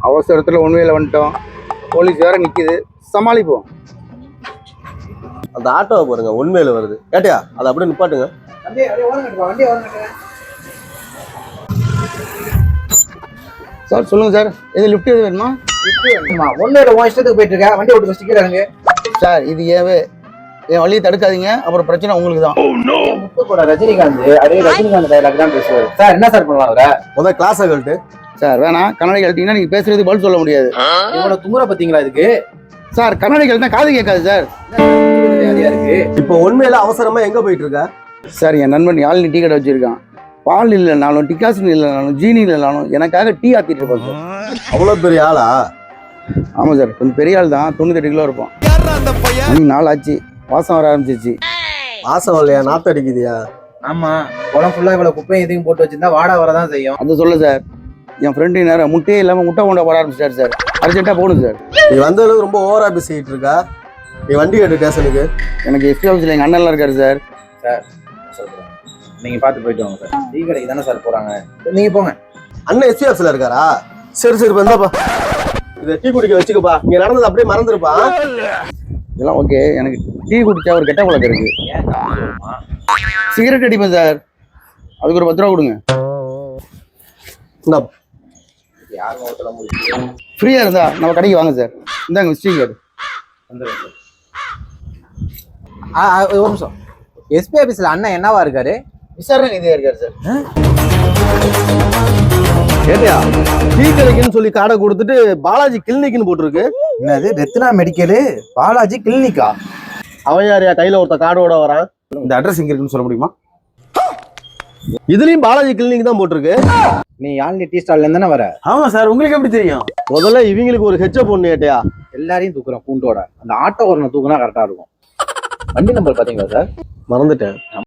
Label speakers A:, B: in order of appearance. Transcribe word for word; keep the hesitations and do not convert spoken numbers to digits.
A: அவசரத்தில் ஒன்றுவேல வந்துட்டோம். போலீஸ் வேற நிற்கிது, சமாளிப்போம்.
B: அந்த ஆட்டோவை பாருங்க உண்மையில வருது. கேட்டியா அதை அப்படியே நிப்பாட்டுங்க.
A: சார் சொல்லுங்கள் சார், எது லிஃப்ட் எது வேணுமா?
C: ஒன்றும் உன் இஷ்டத்துக்கு போயிட்டு இருக்க, வண்டி ஓட்டு ஸ்டிக்கர் இறங்கு.
A: சார் இது ஏவே என் வழியை தடுக்காதீங்க, அப்புறம் பிரச்சனை உங்களுக்கு தான்.
C: முத்து கூட ரஜினிகாந்த் அதே ரஜினிகாந்த் டைலாக் தான் பேசுவார் சார். என்ன சார் பண்ணலாம் அவரை?
B: முதல் கிளாஸை கழட்டு.
A: சார் வேணாம், கண்ணாடி கழட்டிங்கன்னா நீங்கள் பேசுறது பதில் சொல்ல முடியாது.
C: இவனோட துமுறை பார்த்தீங்களா இதுக்கு?
A: சார் கண்ணாடி கழட்டினா காது கேட்காது சார்.
C: இருக்கு.
B: இப்போ உண்மையில அவசரமா எங்க போயிட்டு இருக்க?
A: சார் என் நண்பன் யாழினி டீ கடை வச்சிருக்கான். பால் இல்லைனாலும் டிகாசன் இல்லைனாலும் ஜீனி இல்லைனாலும் எனக்காக டீ ஆத்திட்டு இருப்பான் சார்.
B: அவ்வளோ பெரிய ஆளா?
A: ஆமாம் சார், கொஞ்சம் பெரிய ஆள் தான். தொண்ணூத்தெட்டு கிலோ இருப்பான். மணி நாள் ஆச்சு, வாசம் வர ஆரம்பிச்சிச்சு.
B: வாசம் இல்லையா? நாத்து அடிக்குதியா?
C: ஆமா, குளம் ஃபுல்லா இவ்வளவு குப்பையும் இதையும் போட்டு வச்சிருந்தா வாடா வரதான் செய்யும்.
A: அதை சொல்ல சார், என் ஃப்ரெண்டு நேரம் முட்டையே இல்லாமல் முட்டை கொண்டா போட ஆரம்பிச்சிட்டாரு சார். அர்ஜென்ட்டாக போகணும் சார்.
B: நீ வந்த அளவுக்கு ரொம்ப ஓவரா பேசிக்கிட்டு இருக்கா. நீ வண்டி கட்டு ஸ்டேஷனுக்கு.
A: எனக்கு எஸ்பி ஆஃபீஸில் எங்கள் அண்ணன்லாம் இருக்காரு சார்.
C: சார் சொல்றேன், நீங்க பார்த்து போயிட்டு வாங்க சார். டீ கடைக்கு தானே சார் போறாங்க, நீங்க போங்க.
B: அண்ணன் எஸ்பி ஆஃபீஸ்ல இருக்காரா? சரி சரி வந்தாப்பா, இதை டீ குடிக்க வச்சுக்கப்பா. இங்க நடந்தது அப்படியே மறந்துருப்பா.
A: இதெல்லாம் ஓகே. எனக்கு டீ குடிச்சா ஒரு கெட்ட பழக்கம் இருக்கு. சிகரெட் அடிப்பேன் சார், அதுக்கு ஒரு பத்து ரூபா கொடுங்க.
C: யாரும் ஓட்டல முடியும்.
A: ஃப்ரீயாக இருந்தா நம்ம கடைக்கு வாங்க சார். இந்தாங்க விசிட்டிங் கார்டு.
C: வந்துடுறேன் சார். ஒரு நிமிஷம், எஸ்பி ஆஃபீஸில் அண்ணன் என்னவா இருக்காரு?
A: விசாரணை நீதியாக இருக்காரு சார்.
B: கேட்டியா? டீ கடைக்குன்னு சொல்லி காடை கொடுத்துட்டு பாலாஜி கிளினிக்னு போட்டிருக்கு.
C: என்னது ரத்னா மெடிக்கலு பாலாஜி கிளினிக்கா?
B: அவன் யாரையா கையில ஒருத்த காடோட வரான்?
A: இந்த அட்ரஸ் எங்க இருக்குன்னு சொல்ல முடியுமா?
B: இதுலயும் பாலாஜி கிளினிக் தான் போட்டிருக்கு.
C: நீ யாழ்னி டீ ஸ்டால்ல இருந்தானே வர?
A: ஆமா சார், உங்களுக்கு எப்படி தெரியும்?
B: முதல்ல இவங்களுக்கு ஒரு ஹெச்ச பொண்ணு கேட்டியா?
C: எல்லாரையும் தூக்குறோம் பூண்டோட. அந்த ஆட்டோ ஒரு தூக்குனா கரெக்டா இருக்கும். வண்டி நம்பர் பாத்தீங்களா சார்?
B: மறந்துட்டேன்.